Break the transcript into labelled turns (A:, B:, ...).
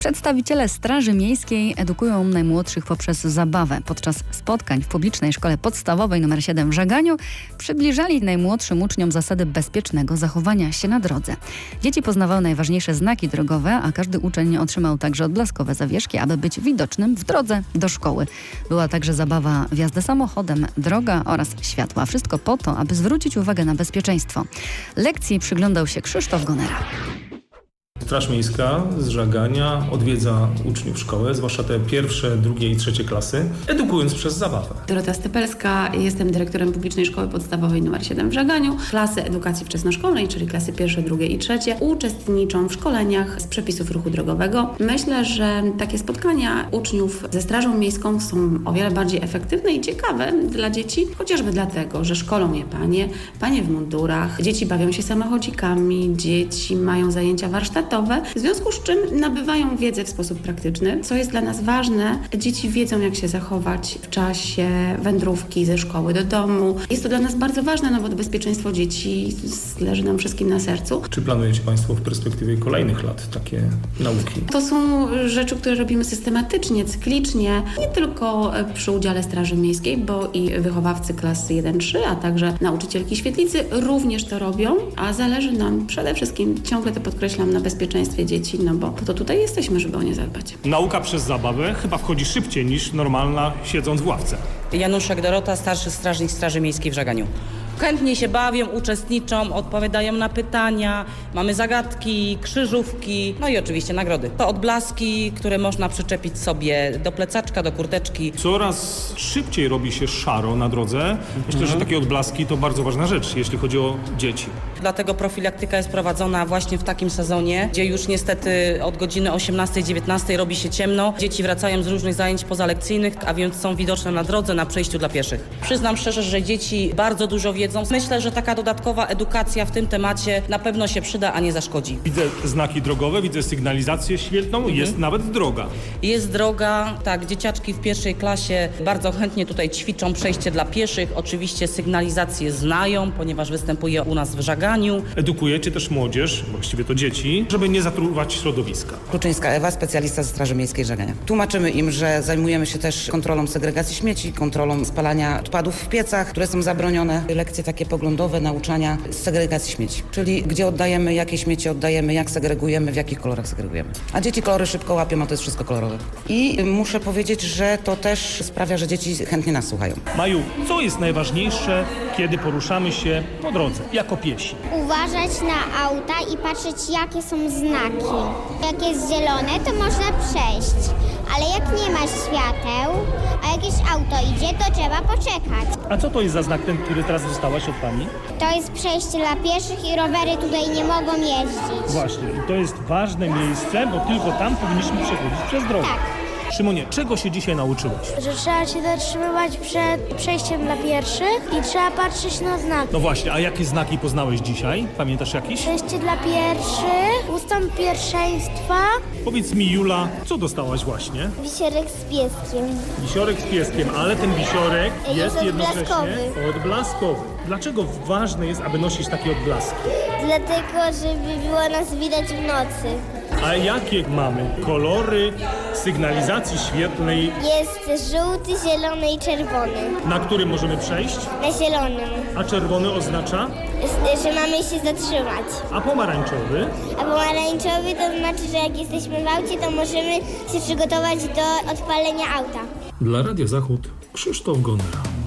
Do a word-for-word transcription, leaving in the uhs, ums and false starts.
A: Przedstawiciele Straży Miejskiej edukują najmłodszych poprzez zabawę. Podczas spotkań w publicznej szkole podstawowej nr siedem w Żaganiu przybliżali najmłodszym uczniom zasady bezpiecznego zachowania się na drodze. Dzieci poznawały najważniejsze znaki drogowe, a każdy uczeń otrzymał także odblaskowe zawieszki, aby być widocznym w drodze do szkoły. Była także zabawa w jazdę samochodem, droga oraz światła. Wszystko po to, aby zwrócić uwagę na bezpieczeństwo. Lekcji przyglądał się Krzysztof Gonera.
B: Straż Miejska z Żagania odwiedza uczniów szkoły, zwłaszcza te pierwsze, drugie i trzecie klasy, edukując przez zabawę.
C: Dorota Stypelska, jestem dyrektorem Publicznej Szkoły Podstawowej nr siedem w Żaganiu. Klasy edukacji wczesnoszkolnej, czyli klasy pierwsze, drugie i trzecie, uczestniczą w szkoleniach z przepisów ruchu drogowego. Myślę, że takie spotkania uczniów ze Strażą Miejską są o wiele bardziej efektywne i ciekawe dla dzieci, chociażby dlatego, że szkolą je panie, panie w mundurach, dzieci bawią się samochodzikami, dzieci mają zajęcia warsztatowe, w związku z czym nabywają wiedzę w sposób praktyczny. Co jest dla nas ważne, dzieci wiedzą, jak się zachować w czasie wędrówki ze szkoły do domu. Jest to dla nas bardzo ważne, no bo bezpieczeństwo dzieci leży nam wszystkim na sercu.
B: Czy planujecie Państwo w perspektywie kolejnych lat takie nauki?
C: To są rzeczy, które robimy systematycznie, cyklicznie, nie tylko przy udziale Straży Miejskiej, bo i wychowawcy klasy jeden trzy, a także nauczycielki świetlicy również to robią, a zależy nam przede wszystkim, ciągle to podkreślam, na bezpieczeństwie dzieci, no bo po to tutaj jesteśmy, żeby o nie zadbać.
D: Nauka przez zabawę chyba wchodzi szybciej niż normalna siedząc w ławce.
E: Januszek Dorota, starszy strażnik Straży Miejskiej w Żaganiu. Chętnie się bawią, uczestniczą, odpowiadają na pytania, mamy zagadki, krzyżówki, no i oczywiście nagrody. To odblaski, które można przyczepić sobie do plecaczka, do kurteczki.
D: Coraz szybciej robi się szaro na drodze. Myślę, że takie odblaski to bardzo ważna rzecz, jeśli chodzi o dzieci.
E: Dlatego profilaktyka jest prowadzona właśnie w takim sezonie, gdzie już niestety od godziny osiemnastej dziewiętnastej robi się ciemno. Dzieci wracają z różnych zajęć pozalekcyjnych, a więc są widoczne na drodze, na przejściu dla pieszych. Przyznam szczerze, że dzieci bardzo dużo wiedzą. Myślę, że taka dodatkowa edukacja w tym temacie na pewno się przyda, a nie zaszkodzi.
D: Widzę znaki drogowe, widzę sygnalizację świetlną, mhm. Jest nawet droga.
E: Jest droga, tak, dzieciaczki w pierwszej klasie bardzo chętnie tutaj ćwiczą przejście dla pieszych. Oczywiście sygnalizację znają, ponieważ występuje u nas w Żaganiu.
D: Edukujecie też młodzież, właściwie to dzieci, żeby nie zatruwać środowiska.
F: Kluczyńska Ewa, specjalista ze Straży Miejskiej Żagania. Tłumaczymy im, że zajmujemy się też kontrolą segregacji śmieci, kontrolą spalania odpadów w piecach, które są zabronione. Lekcje takie poglądowe, nauczania z segregacji śmieci, czyli gdzie oddajemy, jakie śmieci oddajemy, jak segregujemy, w jakich kolorach segregujemy. A dzieci kolory szybko łapią, a to jest wszystko kolorowe. I muszę powiedzieć, że to też sprawia, że dzieci chętnie nas słuchają.
D: Maju, co jest najważniejsze, kiedy poruszamy się po drodze, jako piesi?
G: Uważać na auta i patrzeć, jakie są znaki. Jak jest zielone, to można przejść, ale jak nie ma świateł, a jakieś auto idzie, to trzeba poczekać.
D: A co to jest za znak ten, który teraz dostałaś od pani?
G: To jest przejście dla pieszych i rowery tutaj nie mogą jeździć.
D: Właśnie, i to jest ważne miejsce, bo tylko tam powinniśmy przechodzić przez drogę.
G: Tak.
D: Szymonie, czego się dzisiaj nauczyłeś?
H: Że trzeba się zatrzymywać przed przejściem dla pieszych i trzeba patrzeć na znaki.
D: No właśnie, a jakie znaki poznałeś dzisiaj? Pamiętasz jakiś?
H: Przejście dla pierwszych, ustąp pierwszeństwa.
D: Powiedz mi, Jula, co dostałaś właśnie?
G: Wisiorek z pieskiem.
D: Wisiorek z pieskiem, ale ten wisiorek
G: Jest
D: jest jednocześnie
G: odblaskowy.
D: odblaskowy. Dlaczego ważne jest, aby nosić takie odblaski?
G: Dlatego, żeby było nas widać w nocy.
D: A jakie mamy kolory sygnalizacji świetlnej,
G: Jest żółty, zielony i czerwony.
D: na którym możemy przejść?
G: Na zielonym,
D: A czerwony oznacza?
G: że mamy się zatrzymać.
D: A pomarańczowy?
G: A pomarańczowy to znaczy, że jak jesteśmy w aucie, to możemy się przygotować do odpalenia auta.
B: Dla Radia Zachód Krzysztof Gonera.